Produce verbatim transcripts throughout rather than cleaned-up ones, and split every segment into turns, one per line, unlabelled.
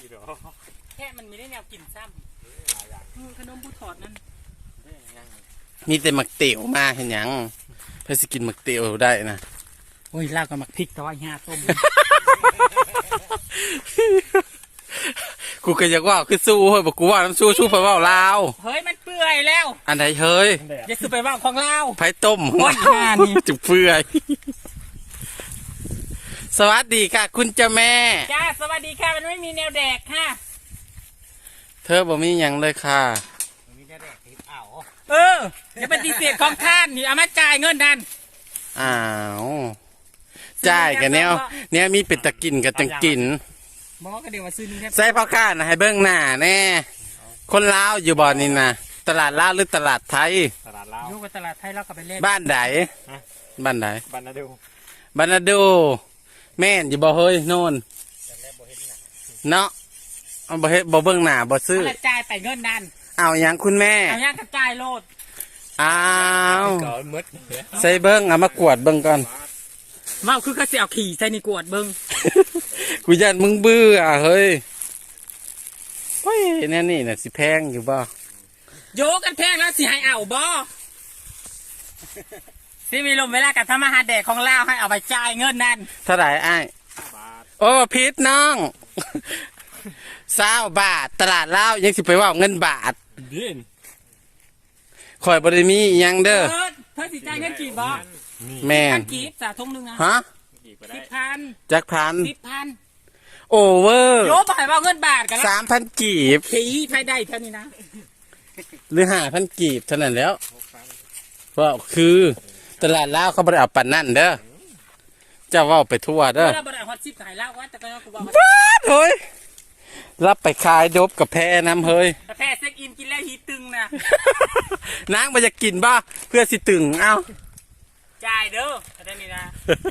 แค่มันไม่ได้แนวกินซ้ำขนมผู้ถอดนั่น
มีแต่หมักเตี๋ยวมาเห็นยังเพื่อสกินหมักเตี๋ยวได้นะ
โอ้ยลาบกับหมักพริกต้อยห้าต้ม
กูก็อยากว่าคือสู้เฮ้ยบอกกูว่าน้ำสู้สู้ไปว่าลาว
เฮ้ยมันเปื่อยแล้ว
อันไหนเฮ้ย
อย่าสู้ไปว่าของลาว
ไผ่ต้มหัวนี่จุกเปื่อยสวัสดีค่ะคุณเจ้าแม่
จ้าสวัสดีค่ะมันไม่มีแนวแดกค่ะ
เธอบอกมีอย่างเลยค่ะ
มีแนวแดกทิพย์เอาเอออย่าปฏิเสธของท่านนี่เอามาจ่ายเงินดัน
อ้าวจ่ายกันเนี้ยเนี้ยมีเป็นตะกินกับจังกิน
บอกก็เดี๋ยวมาซื้อนี่
ใส่พ่อข้านะให้เบิ้งหน้าแน่คนลาวอยู่บ่อนี่นะตลาดลาวหรือตลาดไทย
ตลาดลาวอยู่กับตลาดไทยแล้วก็ไปเล่น
บ้านไหนบ้านไหน
บ้านนาดู
บ้านนาดูแม่นอยู่บ่เฮ้ยโน่นเนาะเอาบ่เฮ็ดบ่เบิ้งหน้าบ่ซื้อ
จ่ายไปเงินดัน
เอาอย่างคุณแม่
เอาอย่างกระจายโลด
อ้าวใส่เบิ้งเอามากวดเบิ้งก่อน
เมาคือเขาเสียเอาขี่ใส่ในกวดเบิ้ง
กูยันมึงเบื่อเฮ้ยเฮ้ยแน่นี่น่ะสิแพงอยู่บ่
โยกันแพงแล้วสิให้เอาบ่สิมีลมเวลากับทำอาหารแดกของลาวให้เอาไปจ่ายเงินนั่น
เท่าไหร่ไอ้โอ้พิษน้องเศร้าบาทตลาดลาวยังสิไปว่าเงินบาทข่อยบริมียังเด้อ
เธอสิจ่ายเงินกี่บ่
แม่
กี่สาทุ่มนึงนะ
ฮะ
สิบพัน
จักพัน
สิบพัน
โอเวอร์
โยบายว่าเงินบาทกัน
สามพันกีบ
ขี่ภายได้เท่านี้นะ
หรือห้าพันกีบเท่านั้นแล้วเพราะคือตลาดลาวเขาบริเอาปันนั่นเด้อเจ้าว่าไปทั่วเด้อ
เราบริเอาฮอตซิปขายแล้วว่าแต่ก็กูบอกว่า
เฮ้ยรับไปขายดบกับแพน้ำเฮ้ย
แพเซ็กอินกินแล้วฮีตึงนะ
นางมันจะกินบ้าเพื่อสิตึงเอ้า
จ่ายเด้อได้นี่นะ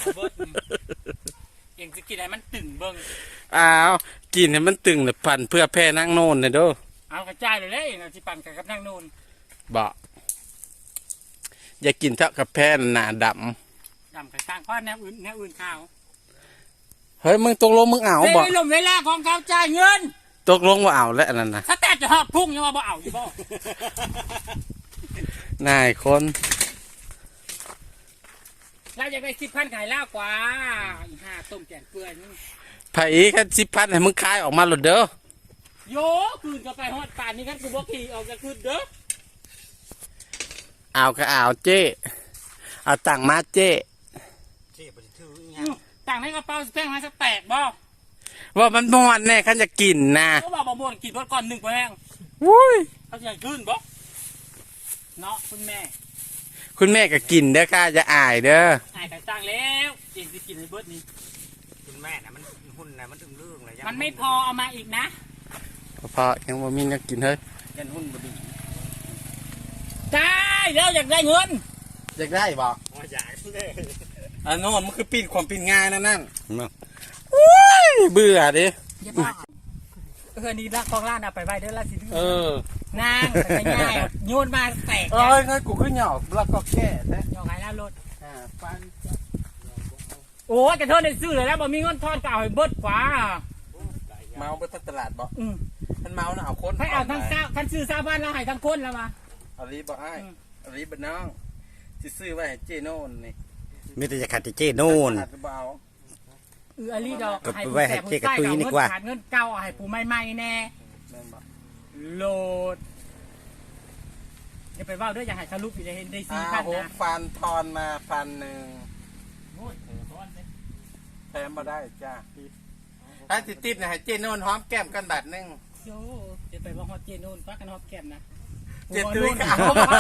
เองจะกินอะไรมันตึงเบิ้ง
อ้าวกินให้มันตึงเลยปั่นเพื่อแพนั่งโน่นเลยเด้อ
เอากระจายเลยเลยเราจะปั่นกับนั่งโน่น
บ่อย่ากินเท่ากับแพหนาด
ำดำกระช่างเพราะแนวอื่นแนวอื่นข้าว
เฮ้ยมึงตกลงมึงเอาบ่
ไม่ลมเวลาของเขาจ่ายเงิน
ตกลงว่าเอาแล้วนั่นนะ
ถ้าแต่จะหอบพุ่งยังว่าบ่เอาอยู่บ่
นายคน
เราอยากได้สิบพันขายล่ากว่าอีห้าต้มแกงเปื่อยนี่
ไผ่แค่สิบพันให้มึงขายออกมาหลุดเด้อ
โยคืนก็ไปฮอดป่านนี้กันกูบอกขี่ออกจะคืนเด้อ
เอาก็เอาเจ๊เอาตังมาเจ๊
ต่างในกระเป๋าแป้งมาสักแตกบ่
ว่ามันม่วนแน่ขันจะกินนะ
เขาบอกบ่ม่วนกินรถก่อนหนึ่งแป้ง
วุ้ย
เขาจะขึ้นบ่เนาะคุณแม่
คุณแม่ก็กินเด้อค่ะจะอายเด้อ
อายแต่ต่างแล้วเองจะกินในเบิร์ดนี้
คุณแม่น่ะมันหุ่นน่ะมันตึงเรื่องเลย
มันไม่พอเอามาอีกนะ
พอยังว่ามีนักกินเฮ้ย
ยันหุ่นบดีได้แล้วอยากได้เงิน
อยากได้บ่
อยากเลย
อันโน่นมันคือปีนความปีนง่ายนั่นนั่นโอ้ยเบื่อดิ
เออนี่รักของร้านเอาไปไว้เด้อละสิ
เอ
อนางแต่ง่ายโยนมาแตก
เอ้ยงั้นกูขึ้นหยอกแล้วก็แค่นะ
หยอกไงล่ะรถ
อ่าปัน
โอ้ยกระเทาะได้ซื้อเลยแล้วบ่มีเงินทอนก็เอาให้เบิดกว่า
เมาไปทั้งตลาดบ่ท่านเมาน่ะเอาคน
ให้เอาทั้งเจ้าท่านซื้อซาบ้านเราให้ทั้งคนแล้วมา
อาลีบ่ไอ้อาลีบ่น้องสิซื้อไว้ให้เจโน่นนี่
มีแต่จะขัดเจโน่น
เอออาลีดอก
ให้ไว้ให้เจกระตุยนี่กว่า
ขาดเงินเก่าให้ผู้ใหม่ๆแน่โหลดอย่าไปว่าด้วยอย่าให้ทะลุไปเลยเห็นได้สี่พันนะ
ฟันทอนมาพันหนึ่งแถมมาได้จ้าถ้าติดติดนะให้เจโน่นหอมแก้มกันบาทนึง
โย่จะไปว่าฮอตเจโน่นฟักกันฮอตแก้มนะ
เจ็ดตุ้ยขาว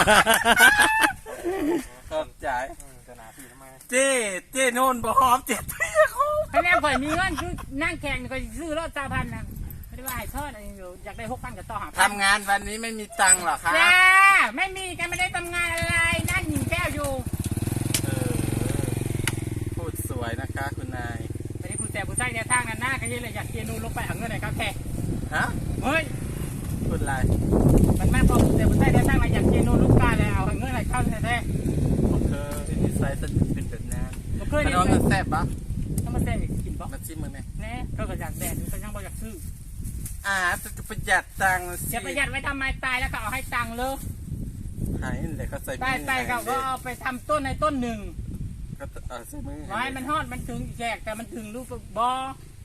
ขอบใจเจ๊เจ๊โน่นบ่หอมเจ็ดตุ้ยเขา
คะแนนข่อยมีเงินคือนั่งแข่งข่อยซื้อรถสามพันนะไม่ได้ว่าให้ทอดอะไรอยู่อยากได้หกพันกับต่อหา
ทำงานวันนี้ไม่มีตังค์หรอครับ
จ้าไม่มีกันไม่ได้ทำงานอะไรนั่งหญิงแก้วอยู่
เออพูดสวยนะคะคุณนาย
ไม่ได้พูดแต่พูดใส่ในทางนั้นหน้าก็ยังเลยอยากเกียร์นูนลงไปหาเงินไหนครับแค่
ฮะ
เฮ้ย
พูดอะไร
มันแม่พอแต่พูดใส่ในทางมาอยากเกียร์นูนลูกกาเลยเอาเงินไหนเข้าแท้
ๆโอเคนิสัยจะเป็นแบบนั้นมันน้องมันแซ่บปะ
ต้องมาแซ่บอีกกินปะ
มาชิมมึงเนี่ย
แน่ก็อยากแดดก็ยังบ่อยากซื้อ
อ่าจะประหยัดตังค์สิ
จะประหยัดไว้ทำไมตายแล้วก็เอาให้ตังค์เลย
หายเลยเขาใส่มือ
ตายตายเขาก็เอาไปทำต้นในต้นหนึ่ง
ก็เอาใส่มือ
ไว้มันฮอดมันถึงแจกแต่มันถึงลูกบอ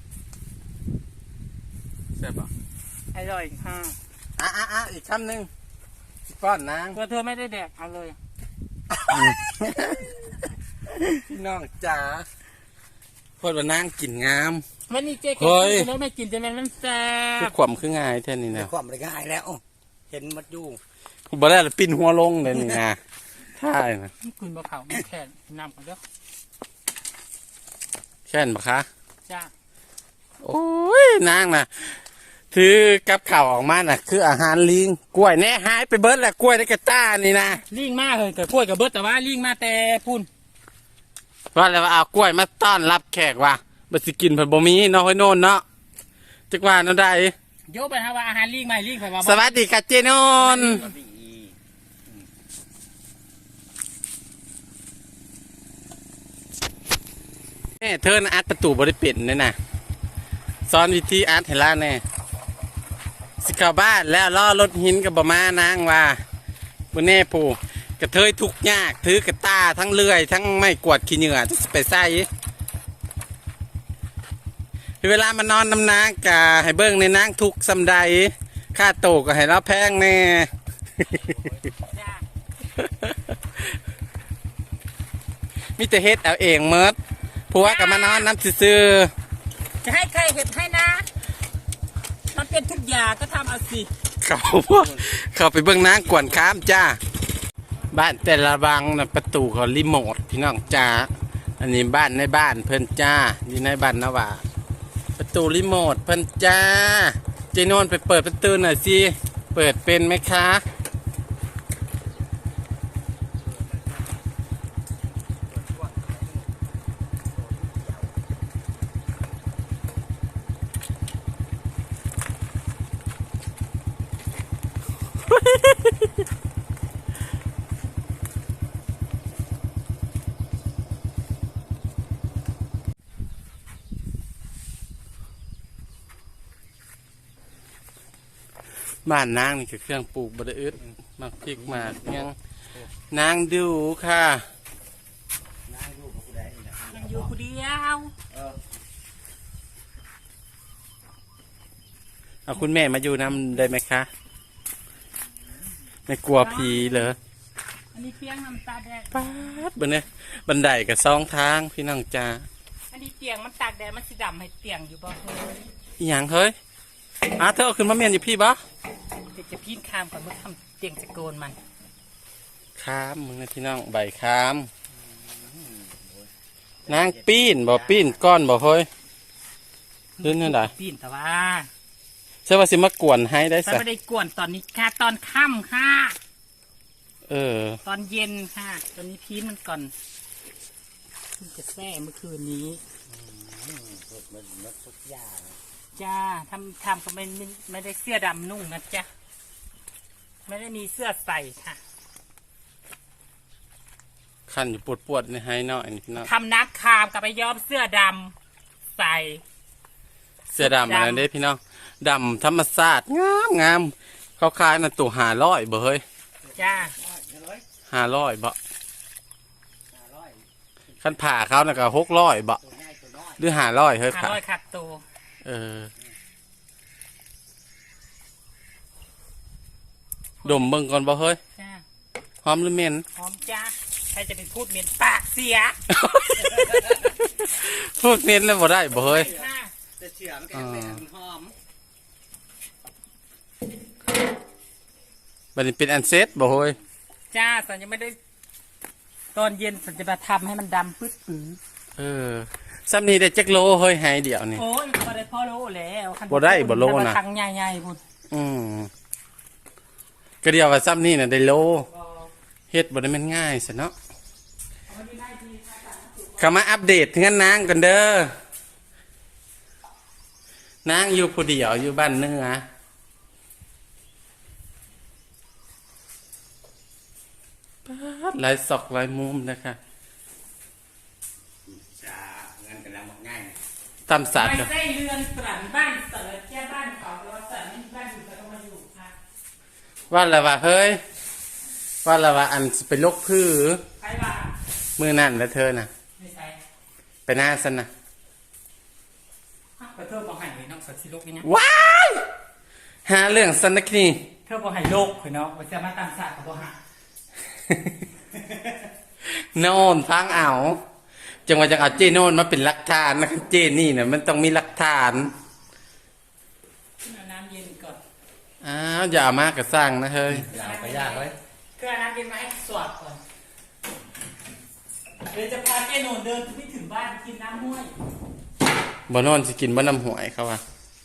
ใช่ปะ
อร่อยค่ะ
อ่ะอ่ะอ่ะอีกคำหนึ่งสิป้อนนาง
ตัวเธอไม่ได้แดกเอาเลย
พี่น้องจ๋าพอดว่านางกินงาม
วันนี้เจ๊
เฮ้
กิ
ย
นแล้วไม่กินจะเป็นมันแซ่
คือบ ความคือง่ายแท่นี้
ใน
นะ
ความได้ง่ายแล้ว เห็นมัดอยู่
บ่ได้ละปิ้นหัวลงเลยนี่นะใช่นะ
คุณบะเขาแค่นำกันเด้อ
แค่นปะคะ
จ้า
โอ้ยนางนะถือกับข่าวออกมาน่ะ คืออาหารลิงกล้วยแน่หายไปเบิดแหละกล้วยในกระต้านี่นะ
ลิงมากเลยแต่กล้วยกับเบิร์ตแต่ว่าลิงมาแต่พุ่น
ว่าแล้วว่าเอากล้วยมาต้อนรับแขกว่ะบ่สิกินเพิ่นบ่มีเนาะห้อยโน่นเนาะจักว่าเนาะได้
โยกไปฮะว่าอาหารลิงใหม่ลิงไปว่า
สวัสดีค่ะเจโนนแม่เธอนะอัดประตูบริปิดเนี่ยนะสอนวิธีอัดให้ล่าแน่สิเข้าบ้านแล้วล่อรถหินกับบมานางว่าบนแน่ปูกระเทยทุกยากถือกระตาทั้งเลื่อย ทั้งไม่กวาดขี้เหงื่อจะไปใส่เวลามานอนน้ำนางกะให้เบิ้งในนางทุกสำใดค่าโตก็ให้เราแพงแน่
จ้า
มิแต่เฮ็ดเอาเองเมิดผัวกับมานอนน้ำซื่อ
จะให้ใครเห็ดให้นะมันเป็นทุกอย่างก็ทำเอาสิ
ๆเขาเขาไปเบิ้งนางกวนข้ามจ้าบ้านแต่ละบังนะประตูเขารีโมทพี่น้องจ้าอันนี้บ้านในบ้านเพิ่นจ้าอยู่ในบ้านนะว่าประตูรีโมทเพิ่นจ้าเจโนนไปเปิดประตูหน่อยสิเปิดเป็นไหมคะ บ้านนางนี่คือเครื่องปลูกบไดอึดมากพริกมากยังนางดูค่ะ
ยังอยู่คนเดียว
เอาคุณแม่มาอยู่น้ำได้ไหมคะไม่กลัวผีเหรอ
อันนี้เตียงน้ำตาแดด
ป๊าดบนเนี่ยบันไดกับสองทางพี่น้องจ้า
อันนี้เตียงมันตากแดดมันสีดำให้เตียงอยู่บ่เฮ้ย
อหย่างเฮ้ยอ้าเธอเอาขึ้นมาเมียนอยู่พี่บ่
เดี๋ยวจะพีนข้ามก่อนเมื่อทำเตียงจะโกนมัน
ค้ามมึงนะพี่น้องใบค้ามนางปีนบ่ปีนก้อนบ่เฮ้ยเรื่องนั่นได
ปีนแต่ว่า
ใช่ว่าสิมากวนให้ได้
ฉัน
สัก
ไม่ได้กวนตอนนี้ค่ะตอนค่ำค่ะ
เออ
ตอนเย็นค่ะ ตอนนี้พีนมันก่อนเพิ่งจะแซ่เมื่อคืนนี้
มันมัดทุกอย่าง
จ้าทำทำก็ไม่ไม่ไม่ได้เสื้อดำนุ่งนะจ๊ะไม่ได้มีเสื้อใส่ค่ะ
ขันอยู่ปวดปวดๆในให้เนาะอันนี้พี่น้อง
ทำนักคามกับไปย้อมเสื้อดำใส่
เสื้อดำอะไรเด้พี่น้องดำธรรมศาสตร์งามงามเขาขายน่ะตัวหาร้อยบ่เฮ้ย
จ้า
หาร้อยบ่ขันผ่าเขาน่ะก็หกร้อยบ่หรือหาร้อยเฮ้ย
ห้า
ผ่า
ร้อยขัดตัว
เออดมเบิ่งก่อนบ่เฮ้ย
จ้า
หอมหรือเหม็น
พร้อมจ้าใครจะเป็นพูดเหม็นปากเสีย
พูดเหม็นแล้วบ่ได้บ่เฮ้ย
ค่ะ
แต่เชื่อมันก็ยังไม่หอม
บัดนี้เป็นอันเซ็ตบ่เฮ้ย
จ้าสันยังไม่ได้ ตอนเย็นสันจะมาทำให้มันดำปึ๊ดปื้อ
เออซ้ำนี้ได้จักโลเฮ้ยให้เดียวนี่
โอ้ยพอได้พ่อโลแล้วคัน
บ่ได้บ่โลนะ
ทังใหญ่ๆพุ่น
อืมก็เดียวว่าซ้ำนี่น่ะได้โลเฮ็ดบ่ได้แม่นง่ายซะเนาะเข้ามาอัปเดตถึงนางกันเด้อนางอยู่ผู้เดียวอยู่บ้านเหนือป๊าดหลายซอกหลายมุมนะคะ
จ้าเงินกันแล้วหมดง่าย
ตามศาสตร์
ไม่
ก็
ใช่เรือนตรันบ้านเสิร์ชแค่บ้านเขาเราใส่
ว่าและว่าเฮ้ยว่าและว่าอันสิเป็นโรคพื้อ
ใครว่า
มือนั่นแล้วเธอน่ะ
ไม่ใช่
ไปหน้าสันนะ
ฮะแต่เธอบอกให้เลยน้องสัตว์สิโลกนี่นะ
ว้ายหาเรื่องสันนักนี่
เธอบอกให้โลกเหรอเนาะว่าจะมาตามศาสตร์กับบอกหา
โน่นทางเอาจังหวะจังเอาเจโน่นมาเป็นหลักฐานนะเจนี่เนี่ยมันต้องมีหลักฐาน
ขึ้นเอาน้ำเย็นก่อน
อ้าวอย่าเอามากกระสร้างนะเฮ้ย
อย่าไปยากเลย
คือเอาน้ำเย็นมาให้สวดก่อนเดี๋ยวจะพาเจโนนเดินไปถึงบ้านกินน้ำห้วย
บ่นอนสิกินบ่น้ำหวยเขาว่า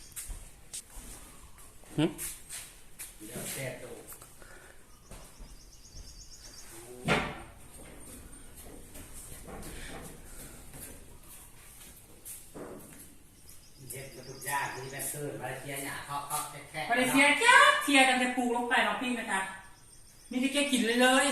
หึ
เดี๋ยวแก้ตัวเจ็บกระตุกยากนี่แม่ตื้นมาเชียร์หยาเขาเขาแค่
มาเลเซียจ้าเทียกันจะปลูกลงไปหรอกพี่นะคะนี่ที่แกกินเลยเลย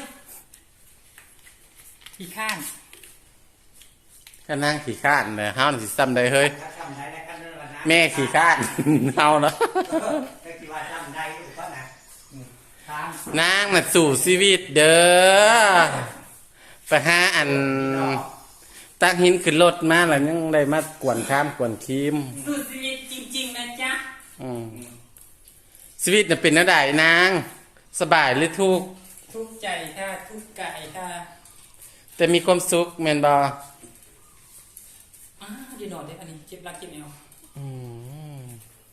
อีกข้าง
ก็นั่งขี่ข้านเลยเฮานี่สิซ้ำได้เฮ้ย
ถ้าจำได้แล้วกันเรื่องนะ
แม่ขี่ข้าน เฮาเนาะ
ก็คิดว่าจำได้อยู่ก็นะ
ข้าง
นางน่ะสู่ชีวิตเด้อไปหาอันตั้งหินขึ้นรถมาแล้วยังได้มากวนข้ามกวนคีม
สุดชีวิตจริงๆนะจ๊ะ
อืมชีวิตน่ะเป็นแนวใดนาง สบายหรือทุกข์
ทุกข์ใจค่ะทุกข์กายค่ะ
แต่มีความสุขแม่นบ่
อ้าวดีนอนได้อันนี้เจ็บรักเจ็บเอว
อืม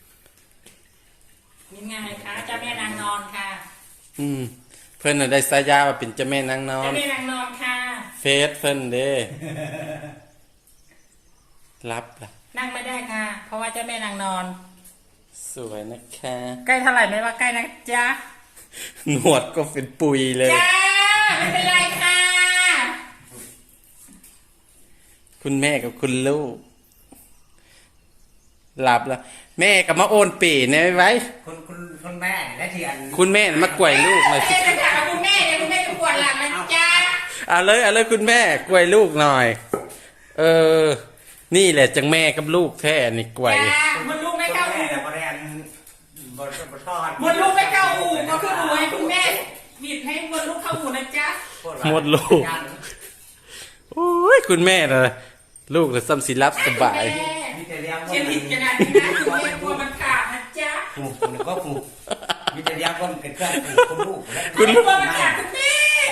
นี่ไงคะเจ้าแม่นางนอนค่ะ
อืมเพิ่นน่ะได้สายาว่าเป็นเจ้าแม่นางนอ
เจ้าน แม่นางนอนค่ะ
เฟซเพิ่นเด้รับล่ะ
นั่งไม่ได้ค่ะ เพราะว่าเจ้าแม่นางนอน
สวยนะคะ
ใกล้เท่าไหร่ไม่ว่าใกล้นะจ๊ะ
หนวดก็เป็นปุยเลย
จ้าไม่เป็นไรค่ะ
คุณแม่กับคุณลูกหลับแล้ว แม่กับมาโอนปีเนี่ยไว้
คุณคุณคุณแม่และที่อัน
คุณแม่มากวยลูกหน่อยสิ
เอ๊ะจะถามคุณแม่เนี่ยคุณแม่จะปวดหลังนะจ๊ะ
เอาเลยเอาเลยคุณแม่กวยลูกหน่อย เออ นี่แหละจังแม่กับลูกแท้นี่กวย
จ้ามันลูกไม่
คุณ
เข้า
แม่
อู่
เนี่ยบริเวณบริบททอด
มันลูกไม่เข้าอู่ก็คืออู่ให้คุณแม่บิดให้มันลูกเข้าอู่นะจ๊ะ
หมดลูก โอ้ยคุณแม่เลยลูกเลยซ้ำสิรับสบาย
แม่
มีแต่เลี้ยง
เขียนผิดขนาดนี้นะคุณแม่กลัวมันขาดนะจ๊ะ
ผูกคุณก็ผูกมีแต่เลี้ยงคนเป็นเครื่องผูกคุณลูกและ
คุณกลัวมันขาดคุณแม่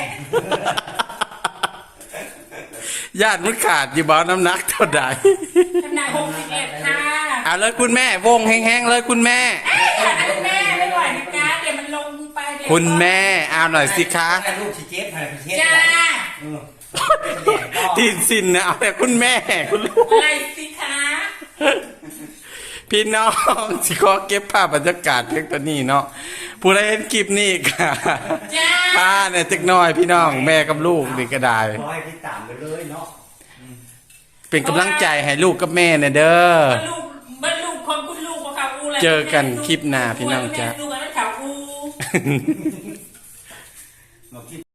ญาติมันขาดอยู่บ่น้ำหนักเท่าใด
ขนาดหกสิบเอ็ดค่ะ
เอาเลยคุณแม่วงแห้งๆเลยคุณแม่
เอ้ยคุณแม่ไม่ไหวนะจ๊ะเดี๋ยวมันลงไปเดี๋ยว
คุณแม่เอาหน่อยสิคะ
แต่ลูกชิเจ็บอะไรไปเช็ด
จ้า
เออ
ตีนสินนะเอาแต่คุณแม่คุณลูก
อะไรสิคะ
พี่น้องสิขอเก็บภาพบรรยากาศเพียงตัวนี้เนาะผู้ใดเห็นคลิปนี้ค่ะ
จ้า
พาเนี่ยจักหน้อยพี่น้องแม่กับลูกนี่ก็ได้
ขอให้พี่ตามไปเลยเนาะ
เป็นกำลังใจให้ลูกกับแม่เนี่ยเด้อ
บรรลุบรรลุของคุณลูกของเขาอูแหละ
เจอกันคลิปหน้าพี่น้องจ๊ะ
ดูกันแล้วเขาอู
เราคิด